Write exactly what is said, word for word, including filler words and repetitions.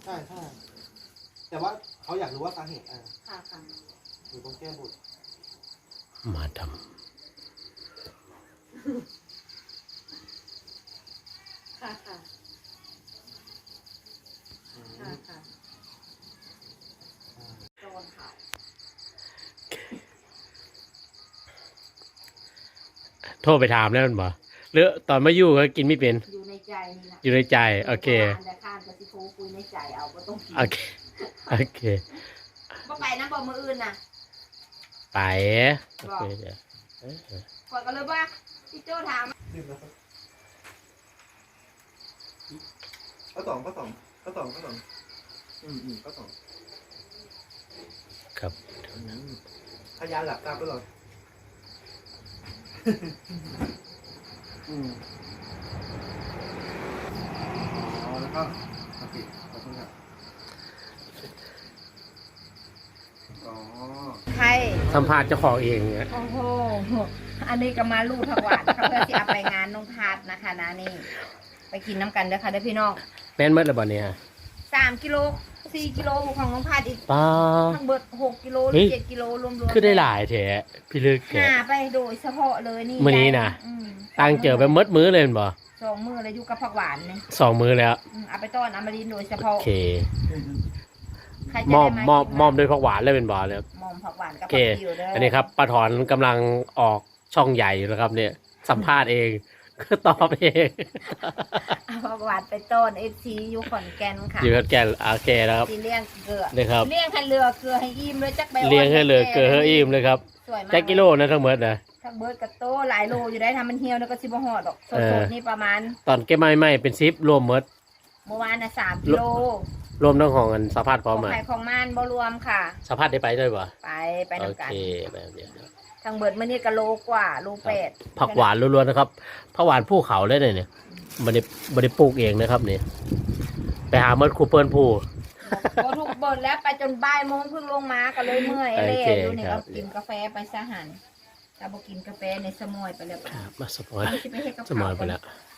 ใช่ใช่แต่ว่าเขาอยากรู้ว่าสาเหตุอ่ะค่ะค่ะอยู่ตรงแก้บุตรมาทค่ะค่ะอืมค่ะค่ะโดนค่ะำโทรไปถามแล้วมันบอกหรือตอนมาอยู่ก็กินไม่เป็นอยู่ในใจนี่นะอยู่ในใจโอเคแต่ข้ามกับสิโทรคุยในใจเอาก็ต้องกินโอเคโอเคบ่ไปนะบ่มืออื่นน่ะไปบอกโอเคเดี๋ยวเออก่อนก็เลยว่าพี่โจ้ถามดื่มแล้วครับข้าวสองข้าวสองข้าวสองข้าวสองอืมอืมข้าวสองครับอืมพยานหลับตาตลอดอืมอ๋อแล้วก็มาปิดขอบคุณครับอ๋อใครสัมภาษณ์เจ้าของเองเนี่ยโอ้โห อันนี้ก็มาลูกถวายนะคะเพื่อที่เอาไปงานน้องทัดนะคะนะนี่ ไปกินน้ำกันเด้อค่ะเด้อพี่น้องแม่นเมื่อไรบ่เนี่ยสามกิโลสี่กิโลของน้องพัดอีกป้าทั้งเบิดหกกิโลหเฮ้รือย เจ็ดกิโลรวมๆคือได้หลายแท้พี่ลึกแกหาไปโดยเฉพาะเลยนี่มื้อนี้น่ะอืมตั้งเจอไปมดมื้อเลยแม่นบ่สองมือเลยอยู่กับผักหวานเนี่ยสองมื้อแล้วอืมเอาไปต้อนอมรินทร์โดยเฉโอพาะเคใครจะมอได้มมอมกินมอมด้วยผักหวานเลยเป็นบ่เลยมอมผักหวานกับโอเคผักติวเด้ออัอันนี้ครับป้าถอนกำลังออกช่องใหญ่อยู่แล้วครับเนี่ย สัมภาษณ์เอง ก็ตอบเองเอาผักหวานไปต้นเอฟซีอยู่ขอนแก่นค่ะอยู่กับแกนโอเคนะครับสีเลี้ยงเกลือนี่ครับเลี้ยงให้เรือเกลือให้อิ่มเลยจักใบเลี้ยงให้เลยเกลือให้อิ่มเลยครับสวยมากแจ็คกิโลนะทั้งหมดนะทั้งเบิร์ดกับโตหลายโลอยู่ได้ทำมันเหี่ยวแล้วก็สิบห่อดอกสเอดอๆนี่ประมาณตอนเก็บไม้ไม่เป็นซิปรวมหมดเมื่อวานน่ะสามกิโลรวมทั้งของกันสัมภาษณ์พร้อมของมาไข่ของมันบ่รวมค่ะสัมภาษณ์ได้ไปด้วยป่ะไปไปโอน้ำกันเคแบบเดียวนะทางเบิร์ดมื่อนี้ก็โลกว่าโลแปดผักหวานล้วนๆนะครับผักหวานภูเขาเลยเนี่ยบันไดบันไดปลูกเองนะครับเนี่ยไปหาเมดคูเปิลผู้พอถูกเบิร์ดแล้วไปจนบ่ายโมงเพิ่งลงมาก็เลยเมื่อยเล่โอเคดูนี่ครัเอาบกินกาแฟไปซะหันถ้าบ่กินกาแฟในสมอยไปแล้วครับมาสปอยสิไปเฮ็ดกับสมอยข้าวไปแล้วก